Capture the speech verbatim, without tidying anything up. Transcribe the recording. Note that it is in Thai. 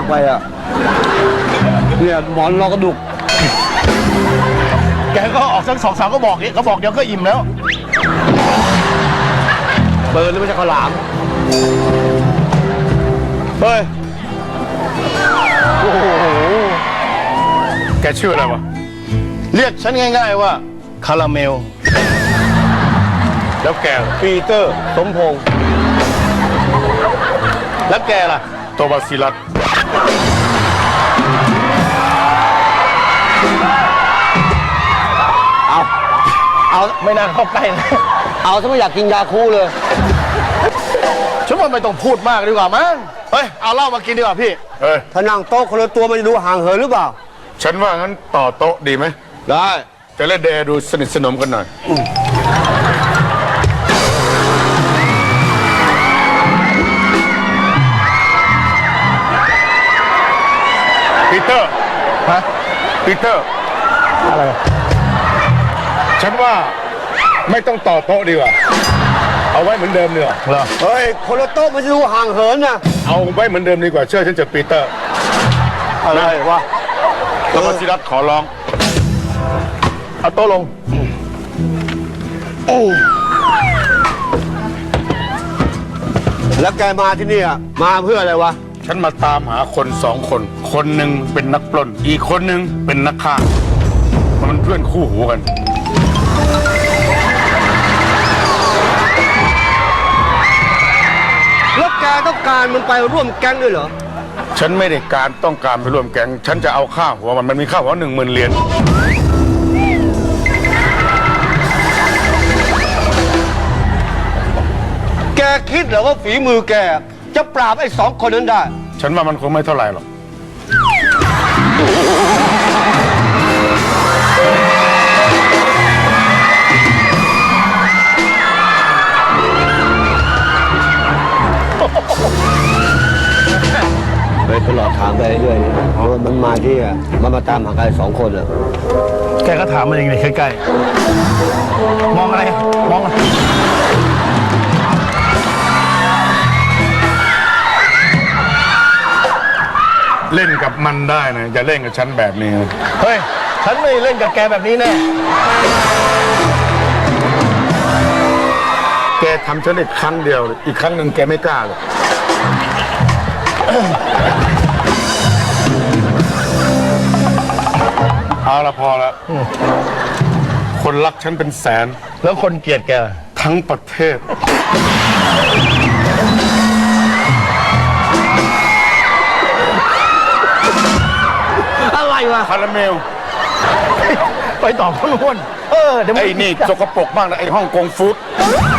ไปอ่ะเนี่ยหมอนรอกระดูกแกก็ออกสักสองสามก็บอกนี่เขาบอกเดี๋ยวก็อิ่มแล้วเปิดหรือไม่ใช่ข้าวหลามเฮ้ยโอ้โหแกชื่ออะไรวะเรียกฉันง่ายๆว่าคาราเมลแล้วแกปีเตอร์สมพงษ์แล้วแกล่ะโตบาซิลัสเอาเอาไม่น่าเข้าใกล้นะเอาถ้าไม่อยากกินยาคูเลยฉันว่าไม่ต้องพูดมากดีกว่ามั้งเฮ้ยเอาเหล้ามากินดีกว่าพี่เฮ้ยถ้านั่งโต๊ะคนละตัวมันจะดูห่างเหินหรือเปล่าฉันว่างั้นต่อโต๊ะดีไหมได้จะเล่นเดย์ดูสนิทสนมกันหน่อยปีเตอร์ฮะปีเตอร์อะไรฉันว่าไม่ต้องต่อโต๊ะดีกว่าเอาไว้เหมือนเดิมเนีกว่ยเหรอเฮ้ยคนละโต๊ะมันจะดูห่างเหินนะเอาไว้เหมือนเดิมดีกว่าเชื่อฉันจะปีเตอร์อะไรวะโตบาซิลัสขอร้องเอาโต๊ะลงแล้วแกมาที่นี่มาเพื่ออะไรวะฉันมาตามหาคนสองคนคนหนึ่งเป็นนักปล้นอีกคนหนึ่งเป็นนักฆ่ามันเพื่อนคู่หูกันแล้วแกต้องการมันไปร่วมแก๊งด้วยเหรอฉันไม่ได้การต้องการไปร่วมแก๊งฉันจะเอาค่าหัวมันมันมีค่าหัวหนึ่งหมื่นเหรียญแกคิดเหรอว่าฝีมือแกจะปราบไอ้สองคนนั้นได้ฉันว่ามันคงไม่เท่าไหร่หรอกไปตลอดถามไปเรื่อยๆเพราะมันมาที่อ่ะมันมาตามหาใครสองคนอ่ะแกก็ถามมันเองเลยใกล้ๆมองอะไรมองอะไรเล่นกับมันได้นะอย่าเล่นกับฉันแบบนี้เฮ้ยฉันไม่เล่นกับแกแบบนี้แน่แกทำฉันอีกครั้งเดียวอีกครั้งหนึ่งแกไม่กล้าเลยเอาละพอละคนรักฉันเป็นแสนแล้วคนเกลียดแกทั้งประเทศอะไรวะคาราเมลไปต่อคนล้วนเออไอ้นี่สกปรกมากนะไอ้ฮ่องกงฟู้ด